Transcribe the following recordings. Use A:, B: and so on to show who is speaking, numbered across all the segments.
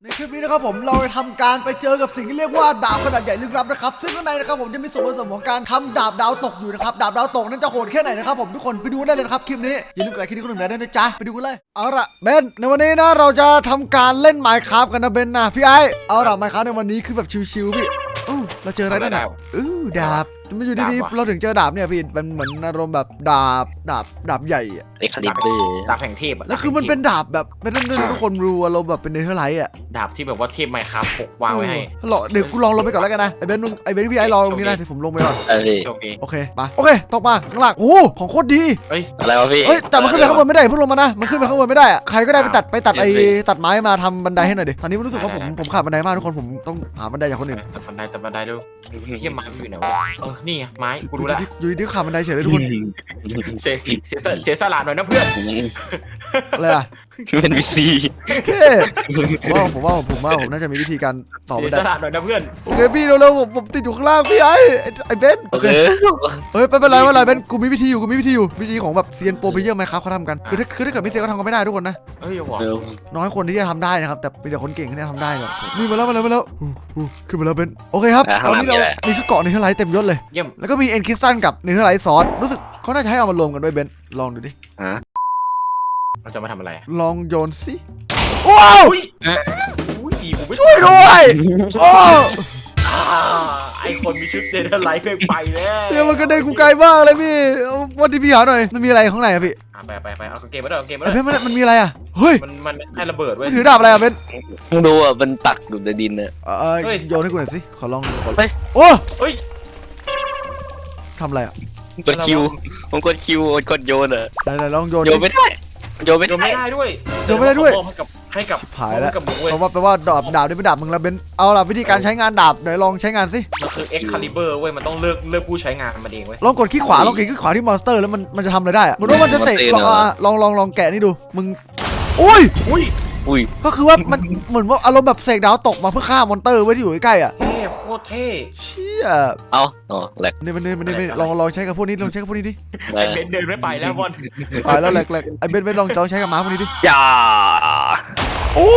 A: ในคลิปนี้นะครับผมเราจะทำการไปเจอกับสิ่งที่เรียกว่าดาบขนาดใหญ่ลึกลับนะครับซึ่งข้างในนะครับผมจะมีส่วนผสมของการทำดาบดาวตกอยู่นะครับดาบดาวตกนั้นจะโหดแค่ไหนนะครับผมทุกคนไปดูได้เลยนะครับคลิปนี้อย่าลืมกดไลค์คลิปนี้คนหนึ่งได้นะจ๊ะไปดูกันเลยเอาล่ะเบนในวันนี้นะเราจะทำการเล่น Minecraft กันนะเบนนะพี่ไอเอาล่ะ Minecraft ในวันนี้คือแบบชิวๆพี่เราเจออะไรได้ดาบมันอยู่ดีๆเราถึงเจอดาบเนี่ยพี่มันเหมือนอารมณ์แบบดาบใหญ่อะ
B: เอ็กคาลิเบอร์
C: ดาบแห่งเทพ
A: แล้วคือมันเป็นดาบแบบเป็นเรื่องทุกคนรู้เราแบบเป็นเนเธอร์ไลท์อะ
C: ดาบที่แบบว่าเทพไมค์ครับพกวางไว้ให้
A: เดี๋ยวกูลองลงไปก่อนแล้วกันนะไอ้เบนพี่ไอ้รอตรงนี้นะเดี๋ยวผมลงไปก่อนโอเคไปโอเคตกมาข้างล่างโอ้ของโคตรดี
B: อะไรวะพี่
A: แต่มันขึ้นไปข้างบนไม่ได้เพิ่งลงมานะมันขึ้นไปข้างบนไม่ได้อะใครก็ได้ไปตัดตัดไม้มาทำบันไดให้หน่อยดิตอนนี้รู้สึกว่าผมขาดบันไดมากทุกคนผมต้องหาบันไดจากคนอื่น
C: ตัดบันไดดูเทียมไม้อยู่ไหนวะนี่ไงไม้กูรู้แล้ว
A: อยู่ดีขาดบันไดเฉยเลยทุกคน
C: เสียสละหน่อยนะเพื่อน
A: อะไรอะ
B: เป็นวีซี
A: ผมว่าผมน่าจะมีวิธีการต่อบันได
C: เสียสละหน่อยนะเพื่อน
A: โอเคพี่เร็วๆผมติดอยู่ข้างล่างพี่ไอ้เบนโอเคเฮ้ยไม่เป็นไรเบนกูมีวิธีอยู่วิธีของแบบเซียนโปรเพเยอร์ไหมครับเขาทำกันคือถ้าเกิดไม่เซียนก็ทำกันไม่ได้ทุกคนนะน้อยคนที่จะทำได้นะครับแต่มีแต่คนเก่งที่จะทำได้ครับนี่มาแล้วขึ้นมาแล้วเบนโอเคครับตอนนี้เรามีชุดเกาะเนเธอร์ไลท์เต็มยศเลยแล้วก็มีเอ็นคริสตัลกับเนเธอร์ไลท์ซอสรู้สึกเขาน่าจะให้เอามารวมกันด้วยเบนลองดูดิ
C: เราจะมาทำอะไร
A: ลองโยนสิว้าวช่วยด้วยโอ้
C: ไอคนมีชุดเดนไลท์ไปแล้ว
A: เดี๋ยวมันกระเด็นกูไกลมากเลยพี่วันที่พี่หาหน่อยมันมีอะไรข้างในอะพี่
C: ไปเอาเกมมาด้วย
A: มันมีอะไรอะเฮ้ย
C: มันให้ระเบิดเว้ย
A: ถือดาบอะไรอะเบน
B: มึงดูอ่ะมันปักอยู่ในดินน่ะ
A: โยนให้กูหน่อยสิขอลอง
C: โอ้ย
A: ทำอะไรอะ
B: กดคิวผมกดคิวกดโยนอ่ะ
A: ไหนลองโยน
B: ไม่ได้โยนไม่ได้
C: ด้วยให้กับ
A: ผายแล้วเพราะว่าแปลว่าดาบนี่เป็นดาบมึงแล้วเบนเอาล่ะวิธีการใช้งานดาบไหนลองใช้งานสิ
C: มันคือ Excalibur เว้ยมันต้องเลือกผู้ใช้งานมันเองเว้ย
A: ลองกดคลิกขวาที่มอนสเตอร์แล้วมันจะทำอะไรได้อะมึงว่ามันจะเสกลองแกะนี่ดูมึงอุ้ยก็คือว่ามันเหมือนว่าอารมณ์แบบเสกดาวตกมาเพื่อฆ่ามอนเตอร์ไว้ที่อยู่ใกล้อ่ะ
C: โคตรเท่
A: เชี่ย
B: แหลก
A: นี่ลองใช้กับพวกนี้ดิ
C: ไอเบนเดินไม่ไปแล้วบอล
A: ไปแล้วแหลกไอเบนลองใช้กับม้าพวกนี้ดิ
B: อย่า
A: โอ้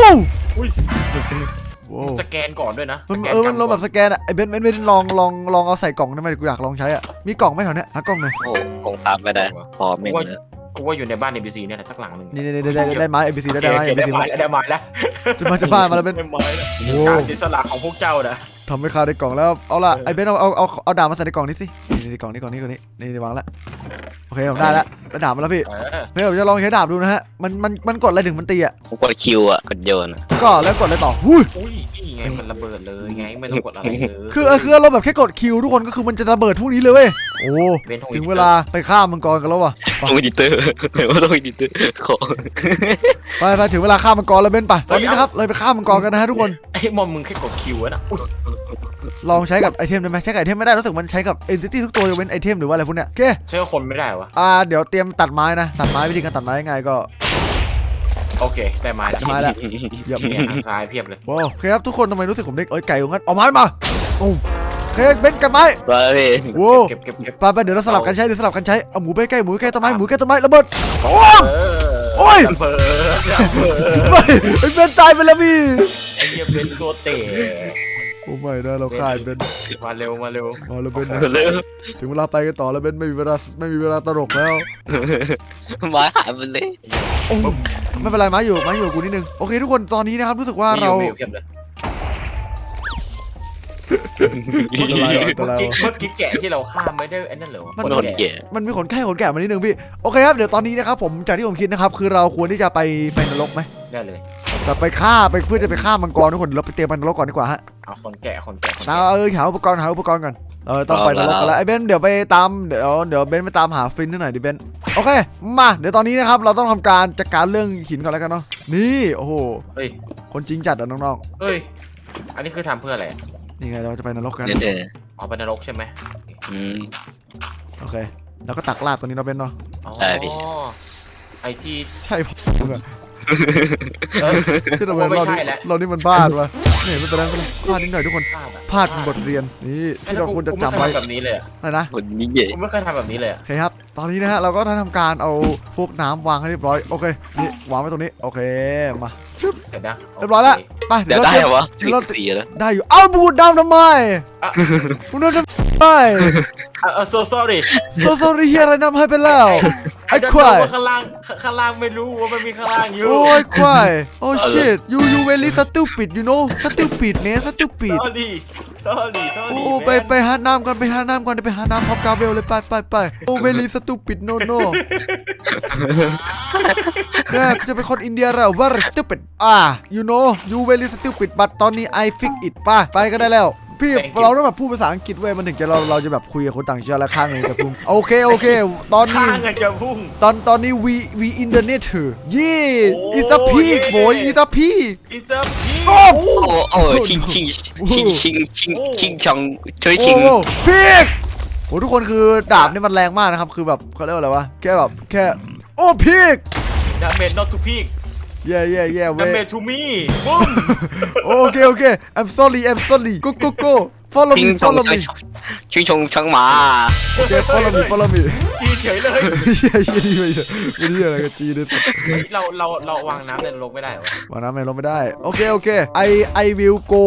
C: สแกนก่อนด้วยนะ
A: มันลงแบบสแกนอ่ะไอเบนลองเอาใส่กล่องได้ไหมกูอยากลองใช้อ่ะมีกล่องไหมแถวเนี้ยหากล่องหน่อย
B: โอ้คงตามไม่ได้พอไม่เลย
C: กูว่าอยู่ในบ้าน NPC เนี่ยสักหลังนึง
A: นี่ได้ไม้ NPC ได้ไม้ NPC
C: ได้ไม้แล้ว
A: จะบ้านมาแล้วเป็น
C: การเสียสละของพวกเจ้านะ
A: ทำให้ข้าได้กล่องแล้วเอาล่ะไอเบนเอาดาบมาใส่ในกล่องนี้สินี่กล่องนี้นี่วางแล้วโอเคผมได้แล้วดาบมาแล้วพี่ผมจะลองใช้ดาบดูนะฮะมันกดอะไรถึงมันตีอ่ะ
B: ผมกดคิวอ่ะกดโยน
A: ก็แล้วกดอะไรต่อ
C: อุ้ยนี่ไงมันระเบิดเลยไงไม่ต้องกดอะไรเลย
A: คือเราแบบแค่กดคิวทุกคนก็คือมันจะระเบิดพวกนี้เลยเว้ยโอ้ถึงเวลาไปฆ่ามังกรกันแล้วว่ะ
B: ต้องอีดิเตอร์ต้องอีดิเตอร์ขอ
A: ไปถึงเวลาฆ่ามังกรแล้วเบนไปตอนนี้นะครับเลยไปฆ่ามังกรกันนะฮะทุกคน
C: ไอ้มอมมึงแค่กดคิวนะ
A: ลองใช้กับไอเทมได้ไหมใช้กับไอเทมไม่ได้รู้สึกมันใช้กับเอนติตี้ทุกตัวยกเว้นไอเทมหรือว่าอะไรพวกเนี้ยโอเค
C: ใช้กับคนไม่ได้วะ
A: เดี๋ยวเตรียมตัดไม้นะตัดไม้วิธีการตัดไม้ยังไงก็
C: โอเคได้ไม้แล้ว
A: เยอะ
C: ทางซ้ายเพียบเลย
A: โอเคครับทุกคนทำไมรู้สึกผมได้ไก่ของงั้นเอาไม้มาโอเคเบนกันไม้โว้
C: เก็บ
A: ไปเดี๋ยวเราสลับกันใช้เอาหมูไปใกล้ต้นไม้ระเบิดโอ้ยเบนตายไปแล้วพี่
C: ไอ้เหี้ยเบนโคตรเตะ
A: โอ้ไม่นะเราฆ่าเบน
C: มาเร็ว
A: เบนถึงเวลาไปกันต่อแล้วเบนไม่มีเวลาตลกแล้ว
B: ไม้หายไปเลย
A: ไม่เป็นไรไม้อยู่กูนิดนึงโอเคทุกคนตอนนี้นะครับรู้สึกว่าเรา
C: เมื่อกี้แกะที่เราฆ่าไม่ได้ไอ้นั่นเหรอ
A: มันมีขนแกะมานิดนึงพี่โอเคครับเดี๋ยวตอนนี้นะครับผมจากที่ผมคิดนะครับคือเราควรที่จะไปนรกไหม
C: ได้เลย
A: แต่ไปฆ่าเพื่อจะไปฆ่ามังกรทุกคนเราไปเตรียมนรกก่อนดีกว่าฮะ
C: เอาขนแกะ
A: หาอุปกรณ์ก่อนต้องไปนรกกันแล้วไอ้เบนเดี๋ยวไปตามเดี๋ยวเบนไปตามหาฟินหน่อยดิเบนโอเคมาเดี๋ยวตอนนี้นะครับเราต้องทำการจัดการเรื่องหินก่อนแล้วกันเนาะนี่โอ้โหคนจริงจัดอะน้อง
C: ๆเฮ้ยอันนี้คือทำเพื่ออะไร
A: นี่ไงเราจะไปนรกกัน
C: อ๋อไปนรกใช่ไหม
A: โอเคแล้วก็ตักลาดตัวนี้เราเป็นเนาะ
B: ใช่พี่
C: ไอที่
A: ใช่ผมที่เราเป็นเรานี่มันพลาดวะนี่ไม่เป็นไรไม่เป็นไรพลาดนิดหน่อยทุกคนพลาดเป็นบทเรียนนี่ที่เราควรจะจำไว้
C: แบบนี้เลยอะ
A: อะไรนะ
B: คนนี้ใหญ่
C: ผมไม่เคยทำแบบนี้เลยอะ
A: โอเคครับตอนนี้นะฮะเราก็ได้ทำการเอาพวกน้ำวางให้เรียบร้อยโอเคนี่วางไว้ตรงนี้โอเคมาชึบ
C: เห็นนะ
A: เรียบร้อยแล้วไป
B: เดี๋ยวได้เหรอวะ
A: เดี๋ยวเรา
B: สีแล้ว
A: ได้อยู่เอ้าบูดดำทำไมบูดดำทำไม
C: so sorry
A: โซโซรีเฮียอะไรน้ำให้ไปแล้ว ไอ้
C: don't
A: ควาย
C: know ว่าข้างล่างไม่รู้ว่ามันมีข้างล่างอยู่
A: โอ้ยควายโอ้ shit you very stupid you know stupid เนี่ย stupid
C: sorry
A: โอ้ไปหาน้ำก่อนไปหาน้ำก่อนไปหาน้ำพร้อมกาเบลเลยไปโอ้ very stupid no แค่จะเป็นคนอินเดียแล้ว very stupid you know you very stupid but ตอนนี้ I fix it ไปก็ได้แล้วพี่เราต้องแบบพูดภาษาอังกฤษเว้ยมันถึงจะเราจะแบบคุยกับคนต่างชาติและข้างหนึ่งจะพุ่งโอเคตอนนี้
C: ข้างกันจะพุ่ง
A: ตอนนี้ we internet เถอะis a pig boy is a pig
C: It's a pig
A: โอ้
B: โอ้ชิงชองช่วยชิง
A: โอ้พีกโอ้ทุกคนคือดาบนี่มันแรงมากนะครับคือแบบเขาเรียกว่าอะไรวะแค่โอ้พีก
C: damage not to pig
A: yeah
C: damage to me ปุ้ม
A: โอเค I'm sorry go follow
B: ชิ
A: me
B: งชอง
A: follow me
B: ชิงชองช่างหมา
A: โอเค follow me
C: จีเฉยเลย
A: เชี่ยดีไปเถอะไม่ได้อะไรกับจีนเลย
C: เราวางน้ำในนรกไม่ได้เหรอ
A: วางน้ำไม่ลงไม่ได้โอเค I will go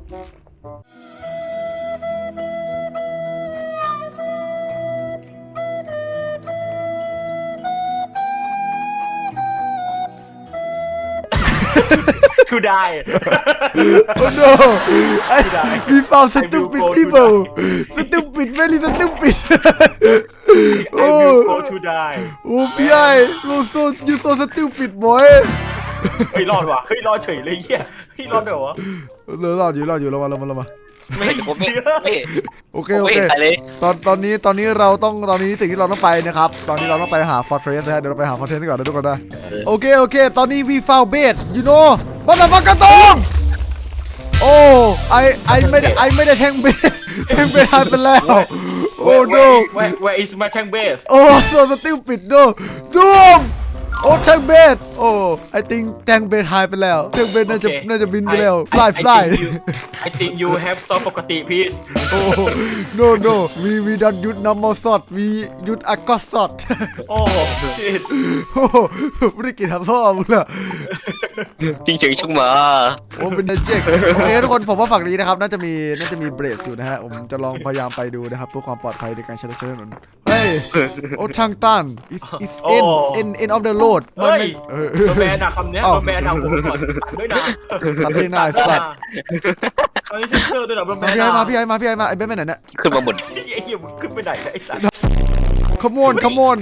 C: to die
A: oh no we found stupid people stupid very stupid
C: I will go to die
A: โอ้พี่ไอ้ you so stupid boy
C: เฮ้ยรอดว่ะเฮ้ยรอดเฉยเลยเฮียเฮ้ยรอดเดี๋ยววะ
A: รอดอยู่เรามา
B: ไม่ผมไม่
A: โอเค
B: ใครเลย
A: ตอนนี้สิ่งที่เราต้องไปนะครับตอนนี้เราต้องไปหา fortress นะฮะเดี๋ยวเราไปหา fortress ก่อนนะทุกคนนะโอเคตอนนี้ we found bait you know มันอะไรกระตงโอ้ไอไม่ได้แทงเบสหายไปแล้วโอ้ no
C: where is my tank base
A: โอ้ so stupid no ดูมโอ้แทงเบสโอ้ I think แทงเบสหายไปแล้วแทงเบสน่าจะบินไปแล้ว fly
C: I think you have some ปกติ please
A: โอ้ no we don't use normal sword we use a god sword
C: โอ้ shit
A: โอ้ไม่ได้กินทำพ่อมึงละ
B: ชิงเฉิงช่างหมา
A: โอ้เป็นเจ๊กโอเคทุกคนผมว่าฝั่งนี้นะครับน่าจะมีเบรสอยู่นะฮะผมจะลองพยายามไปดูนะครับเพื่อความปลอดภัยในการใช้รถใช้ถนนเฮ้ยโอ้ทางตัน is end of the road
C: เฮ้ย
A: เออ
C: โดนแบนอะคำเนี้ยโดนแบนอะผมก่อนตัดด้วยนะ
A: ตัดให้หน้าสัตว์
C: คำนี้เซ็นเซอร์ด้วยเหรอโดนแบน
A: พี่ไอ้มาไอ้เบสไปไหนเนี่ย
B: ขึ้นมาบน
C: ไอ้เหี้ยมึงขึ้นไปไหนไอ้สัตว์
A: Come on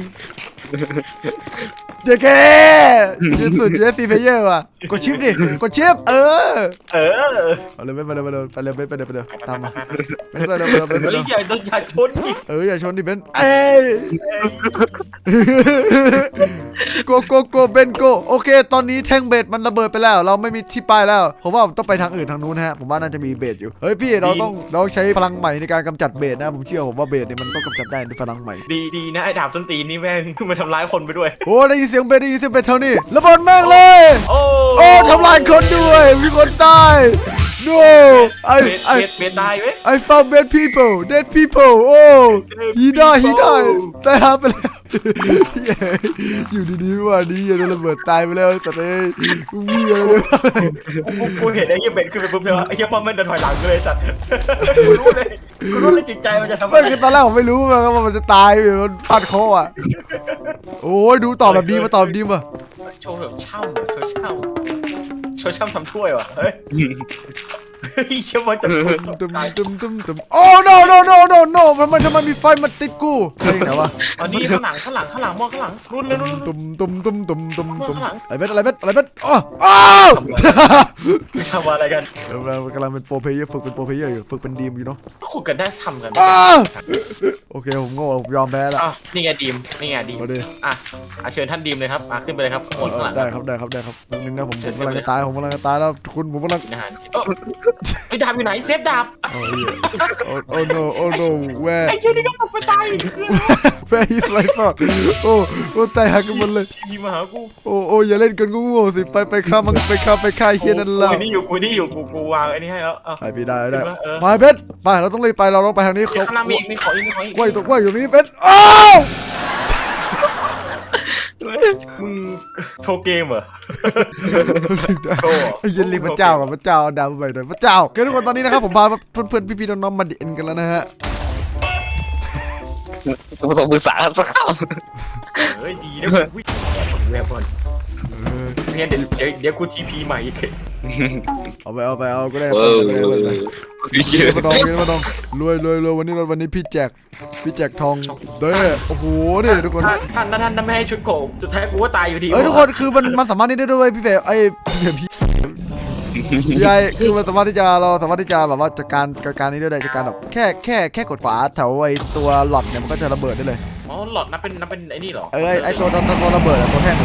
A: เจ๊แกยืนสุด USC player ว่ะกดชิปดิกดชิปเอาเลยไปเลยตามมาไปเลย
C: เฮ้ยอย่าชนดิ
A: อย่าชนดิเบนเอ้ยโกเบนโกโอเคตอนนี้แท่งเบสมันระเบิดไปแล้วเราไม่มีที่ไปแล้วผมว่าต้องไปทางอื่นทางนู้นนะฮะผมว่าน่าจะมีเบสอยู่เฮ้ยพี่เราต้องใช้พลังใหม่ในการกำจัดเบสนะผมเชื่อผมว่าเบสเนี่ยมันต้องกำจัดได้ด้วยพลังใหม่
C: ดีนะไอ้ดาบส้นตีนนี่แม่งมาทำร้ายคนไปด้วย
A: โอ้ได้ยินเสียงเบสเท่านี้ระเบิดแม่งเลยโอ้ทำลายคนด้วยมีคนตาย no
C: เบสตายไหม
A: I found dead people โอ้ he died ตายหาไปแล้วอยู่ดีๆว่าดีโดนระเบิดตายไปแล้วแต่เอ้ยวิ่งเลย
C: กูเห็นไอ้เหี้ยเบสขึ้นไปปุ๊บเลยไอ้เหี้ยป้อมมันเดินถอยหลังเลยสัตว์กูรู้เลยจิตใจมันจะทำอะไร
A: ตอนแรกผมไม่รู้ว่ามันจะตายมันพลาดคออ่ะโอ้ยดูตอบแบบดีมา
C: โชว์แบบช่ำทำถ้วยว่ะเฮ้ยเชื่อมันจะ
A: ตึมโอ้ no มันมีไฟมาติดกูใช่ไหนวะ
C: อันนี้ข้างหลังมองข้างหลังรุ่นเลย
A: ตุ่มอะไรเบ็ดอ้าว
C: ทำอะไรกัน
A: เรากำลังเป็นโปรเพลเยอร์ฝึกเป็นโปรเพลเยอร์อยู่ฝึกเป็นดีมอยู่เนาะ
C: ขุดกันได้ทำกัน
A: โอเคผมโง่ผมยอมแพ้แล้ว
C: นี่ไงดีมอ่ะเชิญท่านดีมเลยครับขึ้นไปเลยครับข้างหลัง
A: ได้ครับนึงนะผมกำลังจะตายแล้วคุณผมกำลัง
C: ไอ้ดาบอยู่ไหนเซฟดาบ
A: โอ้ no oh no where
C: ไอ้เหี้ยนี่ก็ตกไปตาย
A: where is my sword โอ้ตายหักกันหมดเลย
C: ทีมาหากู
A: โอ้อย่าเล่นกันกูโง่สิไปฆ่ามันไปฆ่าเฮียนั่นแล้ว
C: กูนี่อยู่กูวางไอ้นี่ให้แล้ว
A: ไปพี่ได้ไป
C: เออ
A: เบสไปเราต้องรีบไปเราต้องไปทางนี้
C: ข้างล่างมีอีกมีขออีก
A: กล้วยตัวกล้วยอยู่นี่เบสอ้าว
C: มึงโชว์เกมเหรอ
A: ไอ้ยันรีพระเจ้ากับพระเจ้าดาวไปหน่อยพระเจ้าโอเคทุกคนตอนนี้นะครับผมพาเพื่อนๆพี่ๆน้องๆมาเด่นกันแล้วนะฮะ
B: ผสมปรึกษาสักค
C: เฮ้ยดีนะวิ่งแวบก่อนเนี่ยเดี๋ยวกูทีพีใหม่อีก
A: เอาก็ได้
B: ำพี่เชื่อ
A: มาดองรวยวันนี้พี่แจกทองเด้อโอ้โหนี่ทุกคน
C: ท่านไม่ให้ชุดโกบสุดท้ายกูก็ตายอยู่ดี
A: ทุกคนคือมันสามารถนี่ได้ด้วยพี่เฟย์พี่ใหญ่คือมันสามารถที่จะแบบว่าจัดการนี้ได้เลยจัดการแบบแค่กดฝาแถวไอ้ตัวหลอดเนี่ยมันก็จะระเบิดได้เลย
C: อ๋อหลอดนับเป็นไอ้นี่เหรอ
A: ไอ้ตัวระเบิดตัวแท่งเลย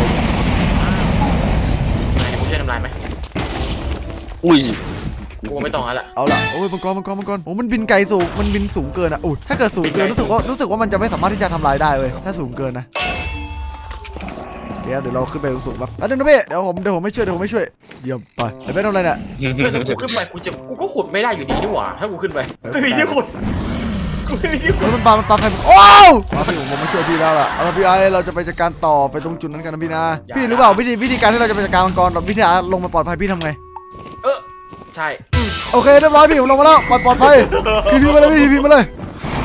C: กูช่วยทำลายไหม
B: อุ้ย
C: กูไม่ต้องแล้ว
A: เอาล่ะโอ้ยมังกรโอ้มันบินไกลสูงมันบินสูงเกินอ่ะถ้าเกิดสูงเกินรู้สึกว่ามันจะไม่สามารถที่จะทำลายได้เว้ยถ้าสูงเกินนะเดี๋ยวเราขึ้นไปสูงๆแบบเดี๋ยวนะพี่เดี๋ยวผมไม่ช่วยเยี่ยมไปไอ้เบสทำอะไรเนี่ย
C: ถ้ากูขึ้นไปกูก็ขุดไม่ได้อยู่ดีนี่หว่าถ้ากูขึ้นไปไม่มีที่ขุดกูไม่มีที่ขุด
A: มันปาใครโอ้ผมมาช่วยพี่แล้วล่ะเอาพี่ไอเราจะไปจัดการต่อไปตรงจุดนั้นกันนะพี่นะพี่รู้เปล่าวิธีการที่เราจะไปจัดการมังกรแบบวิธีการลงมาปลอดภัยพี่ทำไง
C: ใช่
A: โอเคเรียบร้อยพี่ผมลงมาแล้วปลอดภัยพี่มาเลยพี่มาเลย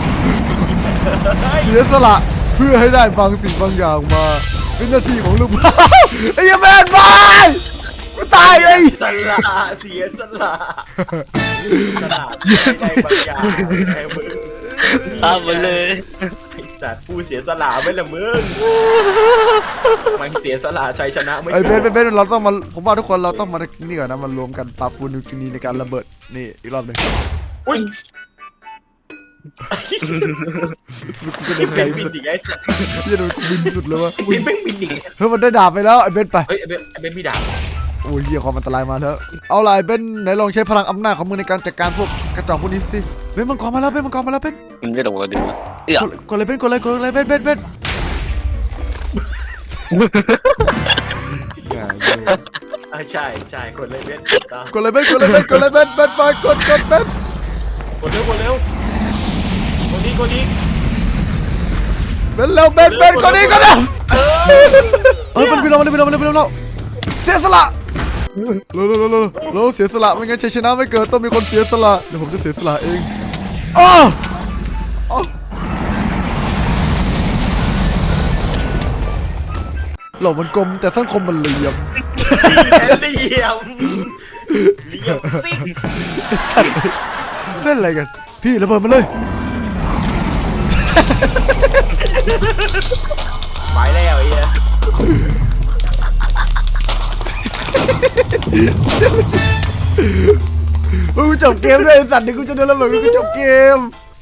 A: เสียสละเพื่อให้ได้บางสิ่งบางอย่างมาเป็นหน้าที่ของลูกไอ้ยังแมนบายกูตายไอ้
C: สละเสียสละได้บางอย่างไอ้มึง
B: ตามมาเลย
C: ไอ้สัตว์ผู้เสียสละไม่ละมึงมันเสียสละชัยชนะไม่
A: ไอ้เบนเราต้องมาผมว่าทุกคนเราต้องมานี่ก่อนนะมันรวมกันปรับปรุงนิวเคลียร์ในการระเบิดนี่อีกรอบหนึ่ง
C: อุ้ย
A: บินไกล
C: บินอีกไอ้สัตว์
A: พี่โดนบินสุดเลยวะ
C: บินไม่บินอีก
A: เฮ้ยมันได้ดาบไปแล้วไอ้เบนไป
C: เฮ้ยไอ้เบนพี่ดาบ
A: โอ้ยเหี้ยความอันตรายมาแล้วเอาล่ะเบนไหนลองใช้พลังอำนาจของมึงในการจัดการพวกกระจอกพวกนี้สิเบนมังกรมาแล้วเบน
B: มันไม่ตรงกันดีวะเอ้ย
A: กดเลยเบนเบน
C: ใช่กดเลยเบน
A: กดเลยเบนไปกดเร็วกดนี้กดมันบินลงเสียสละเราเสียสละไม่งั้นชัยชนะไม่เกิดต้องมีคนเสียสละเดี๋ยวผมจะเสียสละเองโลกมันกลมแต่สังคมมันเหลี่ยม
C: ซิ่ง
A: เล่นอะไรกันพี่ระเบิดมาเลย
C: ไปแล้วไอ้เหี้ย
A: กูจบเกมด้วยไอ้สัตว์นี่กูจะโดนระเบิดกูจบเกม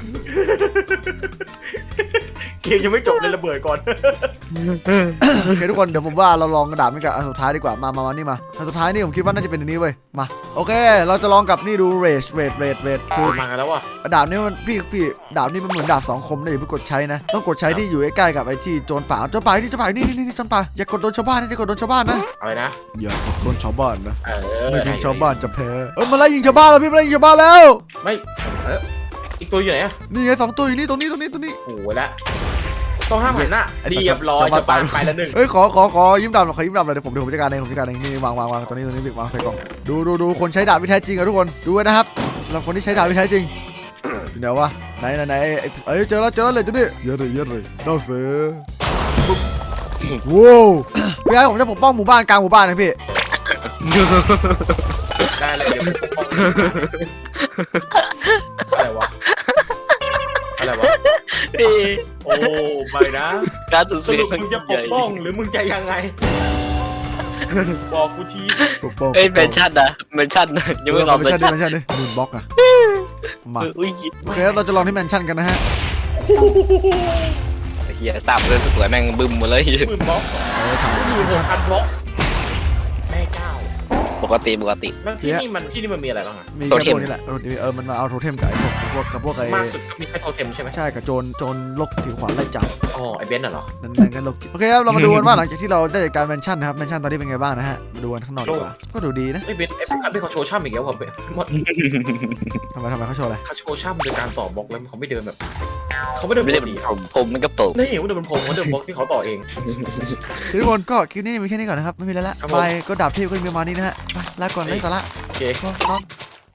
C: เกมยังไม่จบเลยระเบิดก่อน
A: โอเคทุกคนเดี๋ยวผมว่าเราลองกระดาษไม่กับอันสุดท้ายดีกว่ามานี่มาอันสุดท้ายนี่ผมคิดว่าน่าจะเป็นอันนี้เว้ยมาโอเคเราจะลองกับนี่ดูเรทคือ
C: มากันแล้วว่ะ
A: ดาบนี้มันพี่ดาบนี้มันเหมือนดาบสองคมนะอย่าเพิ่งกดใช้นะต้องกดใช้ที่อยู่ใกล้ๆกับไอ้ที่โจรป่านี่โจรป่าอย่ากดโดนชาวบ้านนะ
C: อะไรนะ
A: อย่ากดโดนชาวบ้านนะ
C: ไม่
A: ไม่เป็นชาวบ้านจะแพ้มาไล่ยิงชาวบ้านแล้วพี่มาไล่ยิงชาวบ้านแล้ว
C: ไม่อีกตัวอยู่ไหนอะ
A: นี่ไง2ตัวอยู่นี่ตรงนี้
C: โอ้โหละต้องห้ามหันหน้าเรียบร้อยจะไปแล้วหนึ่ง
A: เฮ้ยขอยิ้มดำหน่อยเดี๋ยวผมจัดการเองนี่วางตัวนี้วางใส่กล่องดูคนใช้ดาบวิแท้จริงอะทุกคนดูไว้นะครับสำหรับคนที่ใช้ดาบวิแท้จริงอยู่ไหนวะไหนเจอแล้วเลยจุดนี้เยอะเลยน่าเสือว้าวพี่ไอ้ผมจะปกป้องหมู่บ้านกลางหมู่บ้านนะพี่
C: ได้เลยเดี๋ยวอะไรวะโอ้ไม่นะ
B: การสูญ
C: ส
B: เสีย
C: รุป
B: ครั้ง
C: มึงจะป
B: ใหญ่
C: กป้องหรือมึงจะยังไงบอกกูที
A: ปกป้อง
B: เอ้ยแมนชั่นนะยังไม่รอแมนชั่น
A: ดิมูนบล็อกอะมา
B: อุ้ย
A: โอเคเราจะลองที่แมนชั่นกันนะฮะ
B: เฮียสามเลยสวยๆแม่งบึ้มหมดเลย
C: หมื่นบล็อก
A: ถาม
C: 16,000บล็อกแม่เจ้า
B: ปกติ
C: แล้วที่นี่มันมีอะไรบ้างอะ
A: มี
B: โท
A: แค่
B: เทม
A: พวกนี้แหละมันมาเอาโทเทมกับไอ้พวกไอ้
C: มากสุดก็มีแค่โทเทมใช่ไหม
A: ใช่กับโจรโรคผิวขวานไล่จับ
C: อ๋อไอเบนซ์น่ะเหรอ
A: นั่นก็โรคจิตโอเคครับเรามาดูกันว่าหลังจากที่เราได้จัดการแมนชั่นนะครับแมนชั่นตอนนี้เป็นไงบ้างนะฮะมาดูกันข้างนอกดีกว่าก็ดูดีนะ
C: ไอเบนซ์เขาโชว์ช่ำอีกแล้วผมหมด
A: ทำไมเขาโชว์อะไร
C: เขาโชว์ช่ำโดยการต่อบล็อกแล้วเขาไม่เดินแบบเขาไม่เดินป
B: ไม่
C: ก
B: ได้เป็น
C: ติ
B: ผมมันก็เปิด
C: นี่เขาเดินเป็นผมเขาเดินบล็อกที่เขาต่อเอง
A: ทุกคนก็คลิปนี้มีแค่นี้ก่อนนะครับไม่มีแล้วละ
C: ครับผม
A: ไปก็ดาบเทพก็มีประมาณนี้นะฮะไปลาก่อนไร้สาระ
C: โอเค
A: ก็